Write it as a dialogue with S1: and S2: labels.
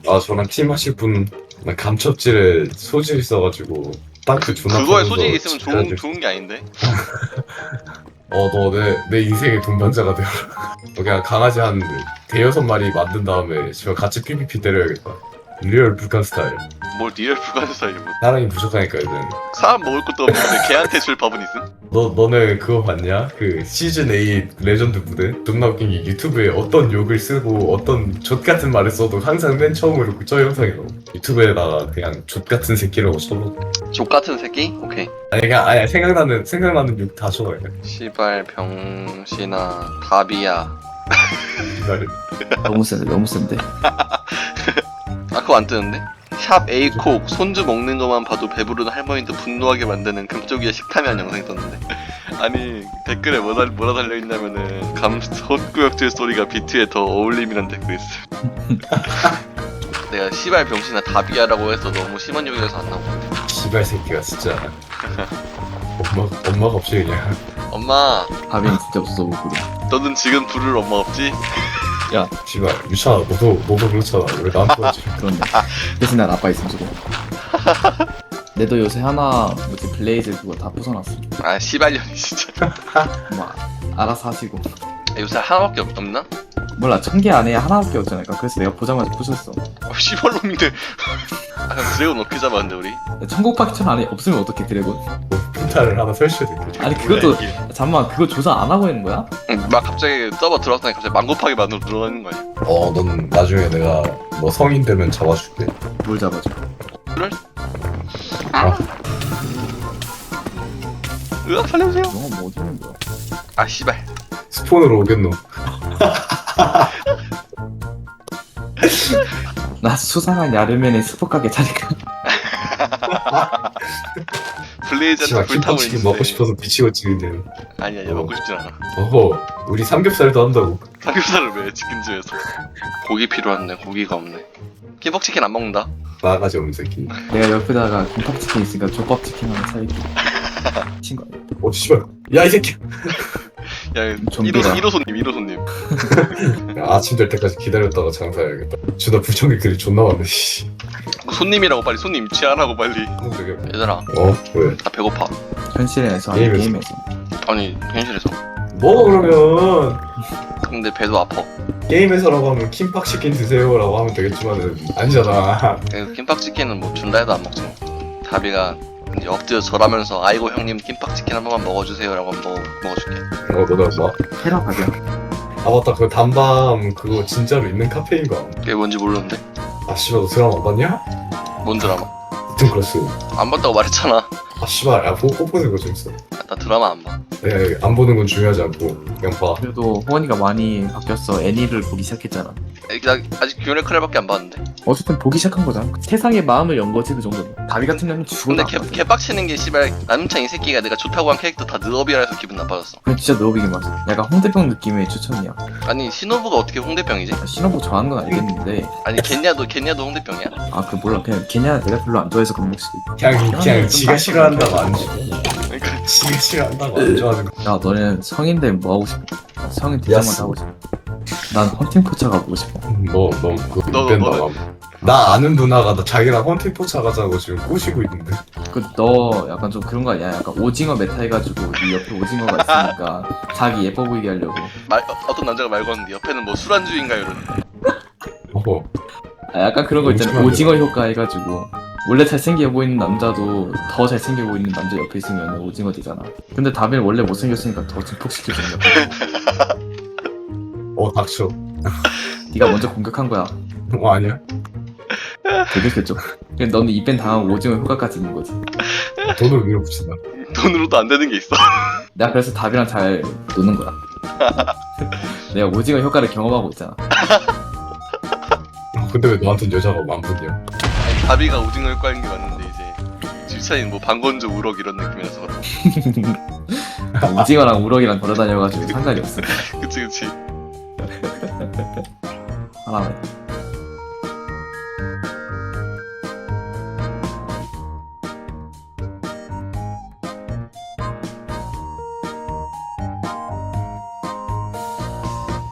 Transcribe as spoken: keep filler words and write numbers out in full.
S1: 아 저랑 팀 하실 분 감첩질에 소질 있어가지고 땅크 존나
S2: 그거에
S1: 파면서
S2: 소질이 있으면 좋은
S1: 집까지-
S2: 좋은 게 아닌데.
S1: 어 너 내 내 인생의 동반자가 되어라. 너 그냥 강아지 한 대여섯 마리 만든 다음에 저 같이 피피피 때려야겠다. 리얼 불칸 스타일.
S2: 뭘 리얼 불가능 스타일 뭐.
S1: 사랑이 부족하니까 이제.
S2: 사람 먹을 것도 없는데 걔한테 줄 밥은 있음?
S1: 너 너네 그거 봤냐? 그 시즌 에잇 레전드 무대? 존나 웃긴 게 유튜브에 어떤 욕을 쓰고 어떤 족 같은 말을 써도 항상 맨 처음으로 저 영상이 나와. 유튜브에다가 그냥 족 같은 새끼라고 쳐도.
S2: 족 같은 새끼? 오케이.
S1: 아니 그냥 아니 생각나는 생각나는 욕 다 쳐요. 그냥.
S2: 시발 병신아 답이야.
S1: 이날은.
S3: 너무 센데 너무 센데.
S2: 아 그거 안 뜨는데? 샵 에이콕 손주 먹는 것만 봐도 배부른 할머니도 분노하게 만드는 금쪽이의 식탐이한 영상이 떴는데 아니 댓글에 뭐라, 뭐라 달려있냐면은 감 헛구역질 소리가 비트에 더 어울림이란 댓글이 있어. 내가 시발 병신아 답이야라고 해서 너무 심한 욕이라서 안 나오고.
S1: 씨발 새끼가 진짜. 엄마 엄마가 없이 그냥.
S2: 엄마
S3: 밥이 진짜 없어서 못 부르.
S2: 너는 지금 부를 엄마 없지?
S3: 야
S1: 씨발 유찬아 너도 너도 그렇잖아. 왜 나한테 하지?
S3: 그런데 대신 난 아빠 있으면 좋고. 내도 요새 하나 뭐지 블레이즈 그거 다 부숴놨어.
S2: 아 시발년이 진짜.
S3: 뭐 알아서 하시고.
S2: 요새 하나밖에 없, 없나?
S3: 몰라 천 개 안에 하나밖에 없잖아. 그래서 내가 보자마자 부셨어.
S2: 어, 시발놈인데. 아 그럼 드래곤 어떻게 잡았는데 우리?
S3: 천국박천 안에 없으면 어떻게 드래곤?
S1: 펜타를 하나 설치해둘게.
S3: 아니 그것도 잠만 그거 조사 안 하고 있는 거야?
S2: 응, 막 갑자기 서버 들어왔더니 갑자기 망고파기 만으로 들어가는 거 아니야?
S1: 어, 넌 나중에 내가 너 성인 되면 잡아줄게.
S3: 뭘 잡아줘?
S2: 그래?
S1: 아,
S2: 으악 살려주세요.
S3: 너가 뭐 어디 있는 거야?
S2: 아 씨발.
S1: 스폰으로 오겠노.
S3: 나 수상한 야르멘의 스포가게 차릴까?
S2: 블레이즈한테
S1: 씨발
S2: 불타고
S1: 김치찌개
S2: 있는데.
S1: 먹고 싶어서 미치고 지는데.
S2: 아니야 얘
S1: 어.
S2: 먹고 싶진 않아.
S1: 어허, 우리 삼겹살도 한다고.
S2: 삼겹살을 왜 치킨집에서. 고기 필요한데 고기가 없네. 김밥치킨 안 먹는다.
S1: 나가지 없는 새끼.
S3: 내가 옆에다가 김밥치킨 있으니까 족밥치킨 하나 사줄게. 친구 아니야?
S1: 어, 씨발. 야, 이 새끼.
S2: 야
S3: 좀비다.
S2: 일 호 손님 일 호 손님.
S1: 야, 아침 될 때까지 기다렸다가 장사해야겠다. 주나 불청객들이 존나 많네, 씨.
S2: 손님이라고 빨리 손님 취하라고 빨리.
S1: 어, 되게.
S2: 얘들아
S1: 어, 왜?
S2: 나 배고파.
S3: 현실에서 아니
S1: 게임에서.
S3: 게임에서.
S2: 아니 현실에서.
S1: 뭐, 그러면.
S2: 근데 배도 아파.
S1: 게임에서라고 하면 킴팍 치킨 드세요라고 하면 되겠지만은, 아니잖아.
S2: 그 김밥치킨은 뭐 준다 해도 안 먹지 뭐. 다비가 이제 엎드려 절하면서 아이고 형님 김밥치킨 한 번만 먹어주세요라고 한번 먹어, 먹어줄게.
S1: 어, 너네 뭐?
S3: 테라 가격.
S1: 아, 맞다. 그 단밤 그거 진짜로 있는 카페인 거.
S2: 그게 뭔지 모르는데.
S1: 아, 씨발, 너 드라마 안 봤냐?
S2: 뭔 드라마?
S1: 하여튼 그렇스.
S2: 안 봤다고 말했잖아.
S1: 아, 씨발, 야, 보고 꼭 보는 거 재밌어.
S2: 나 드라마 안 봐.
S1: 내가 안 보는 건 중요하지 않고, 그냥 봐.
S3: 그래도 호원이가 많이 바뀌었어. 애니를 보기 시작했잖아.
S2: 나 아직 뷰레크레밖에 안 봤는데.
S3: 어쨌든 보기 시작한 거잖아. 세상에 마음을 연 거지 그 정도는. 다비 같은 년은 죽어도
S2: 근데
S3: 안
S2: 개,
S3: 가지.
S2: 개빡치는 게 씨발 남창 이 새끼가 내가 좋다고 한 캐릭터 다 느업이라 해서 기분 나빠졌어.
S3: 그건 진짜 너비긴 맞아. 약간 홍대병 느낌의 추천이야.
S2: 아니 신호부가 어떻게 홍대병이지?
S3: 신호부 좋아하는 건 알겠는데
S2: 아니 겠냐도 겠냐도 홍대병이야?
S3: 아 그 몰라 그냥 걔냐 내가 별로 안 좋아해서 그런 거지.
S1: 그냥, 그냥
S3: 좀
S1: 지가
S3: 빡빡하게
S1: 싫어한다고 안
S3: 좋아해.
S1: 좋아.
S2: 그러니까
S1: 지가 싫어한다고 안 좋아하는 거.
S3: 야 너는 성인들 뭐 하고 싶어? 나 성인 대장만
S1: 야스.
S3: 하고 싶어. 난 헌팅 포차 가보고 싶어.
S1: 너, 너, 그거
S2: 너,
S1: 뺀다.
S2: 너는?
S1: 나 아는 누나가 나 자기랑 헌팅 포차 가자고 지금 꼬시고 있는데.
S3: 그 너 약간 좀 그런 거 아니야? 약간 오징어 메타 해가지고 네 옆에 오징어가 있으니까 자기 예뻐 보이게 하려고.
S2: 말 어, 어떤 남자가 말 거는데 옆에는 뭐 술안주인가 이러는데.
S1: 어허.
S3: 아, 약간 그런 거 있잖아.
S1: 오징어
S3: 오징어 효과 해가지고 원래 잘생겨 보이는 남자도 더 잘생겨 보이는 남자 옆에 있으면 오징어 되잖아. 근데 다빈 원래 못생겼으니까 더 증폭시켜주는 거야.
S1: 어, 닥쳐.
S3: 네가 먼저 공격한 거야.
S1: 어, 아니야.
S3: 되게 됐죠. 근데 너는 이벤 당하고 오징어 효과까지 있는 거지.
S1: 돈을 밀어붙인다.
S2: 돈으로도 안 되는 게 있어.
S3: 내가 그래서 답이랑 잘 노는 거야. 내가 오징어 효과를 경험하고 있잖아.
S1: 근데 왜 너한텐 여자가 만분이야?
S2: 아니, 다비가 오징어 효과인 게 맞는데 이제 질차인 뭐 방건조 우럭 이런 느낌이라서 그렇다.
S3: 오징어랑 우럭이랑 걸어다녀가지고 상관이 없어.
S2: 그치 그치.
S3: 하나만.